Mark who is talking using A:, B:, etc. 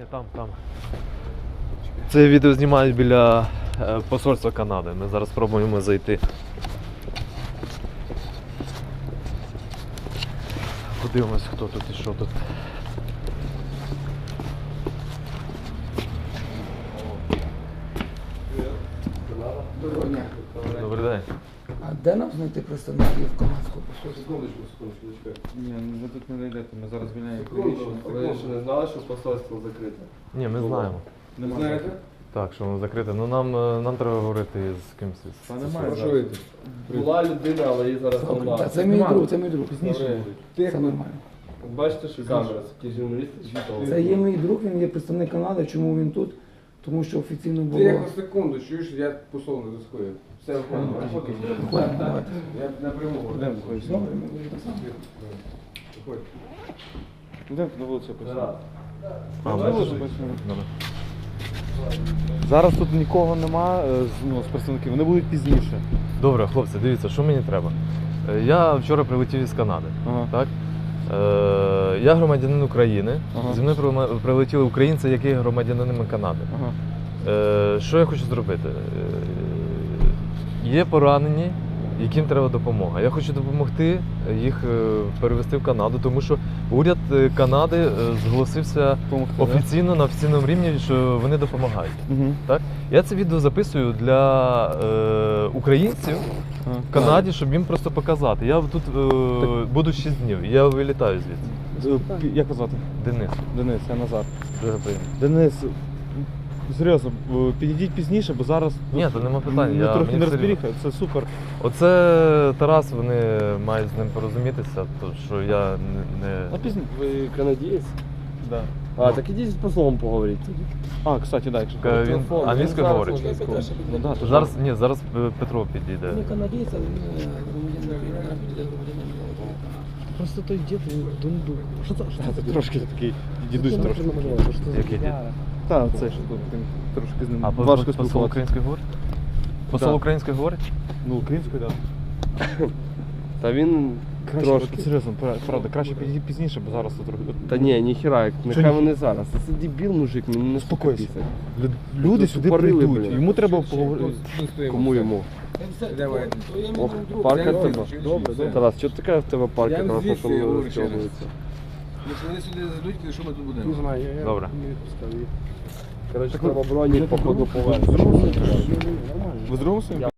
A: Ні, там. Це відео знімають біля посольства Канади. Ми зараз спробуємо зайти. Подивимось, хто тут і що тут. Добрий день.
B: А де нам знайти представників канадського посольства?
C: Секундочку.
D: Ні, ви тут не знайдете, ми зараз звільняємо
C: Секунду.
D: приміщення.
C: Ви ще не знали, що посольство закрите?
A: Ні, ми знаємо.
C: Не знаєте?
A: Так, що воно закрите. Ну нам треба говорити з кимось.
D: Та немає
C: Прошу
D: зараз.
C: вийти. Була людина, але її зараз немає.
B: Та це мій друг, це мій друг.
C: Добре.
B: Це нормально.
C: Бачите, що камера, які журналісти читали.
B: Це є мій друг, він є представник Канади. Чому він тут? Тому що офіційно було...
E: Тихо, секунду, чуєш, я посол не заскою. Все виходить.
B: Ладно, давайте.
E: Я напряму говорю.
D: Йдемо, виходь.
B: Добре, ми вийдемо сам.
E: Виходь.
D: Йдемо на вулицю посадимо.
A: Добре.
D: Зараз тут нікого нема з представників, вони будуть пізніше.
A: Добре, хлопці, дивіться, що мені треба. Я вчора прилетів із Канади.
D: Ага.
A: Так? Я громадянин України.
D: Ага.
A: Зі мною прилетіли українці, які є громадянинами Канади.
D: Ага.
A: Що я хочу зробити? Є поранені, яким треба допомога. Я хочу допомогти їх перевезти в Канаду, тому що уряд Канади зголосився
D: Помогти,
A: офіційно на офіційному рівні, що вони допомагають.
D: Угу.
A: Так? Я це відео записую для українців в Канаді, щоб їм просто показати. Я тут буду 6 днів, я вилітаю звідси.
D: Як вас звати?
A: Денис,
D: Денис, я Назар.
A: дуже приємно.
D: Денис, серйозно, підійдіть пізніше, бо зараз
A: Ні, то нема питань.
D: ми
A: Я,
D: трохи
A: мені
D: не
A: все рівно.
D: розберіха, це супер.
A: Оце Тарас, вони мають з ним порозумітися, то що я
C: А
A: не...
C: пізніше ви канадієць?
D: Да.
C: А, так ідіть з послом поговоріть тоді.
D: А, кстати, так.
A: Він
C: Телефон,
A: англійською
C: він
A: говорить.
C: зараз може
D: Ну, да, то
A: Зараз, ні, зараз Петро підійде.
B: Не канадійця, він громадянин України, піде громадянин України.
C: Просто той дід, він дундук. Що це?
D: Це трошки такий дідусь трошки.
A: Який дід?
D: Так, це що тут він трошки з ним
A: А
D: важко
A: посол
D: спілкуватися.
A: українською говорить? Посол
D: Да.
A: українською говорить?
D: Ну, українською, так.
C: Та він
D: Краще,
C: трошки.
D: от серйозно, правда, краще підійти пізніше, бо зараз тут трохи.
C: Та ні, ніхіра, нехай
D: ні?
C: вони зараз. Це дебіл, мужик, мені не
D: Успокойся.
C: спокійся.
D: Люди сюди
C: Тупорили,
D: прийдуть,
C: блін.
D: йому треба поговорити.
C: Кому йому?
E: Давай.
C: Ох, парка в тебе.
E: Добре, добре.
C: Тарас, що така в тебе парка
E: Я
C: трохи,
E: звідси
C: що не
E: говорю ще раз.
C: розтягується?
E: Якщо вони сюди зайдуть, що ми тут будемо?
C: Не знаю, я
A: Добре.
C: не відпускав їх. Коротше, треба броні, походу, повернути.
D: Ви з другом своїм?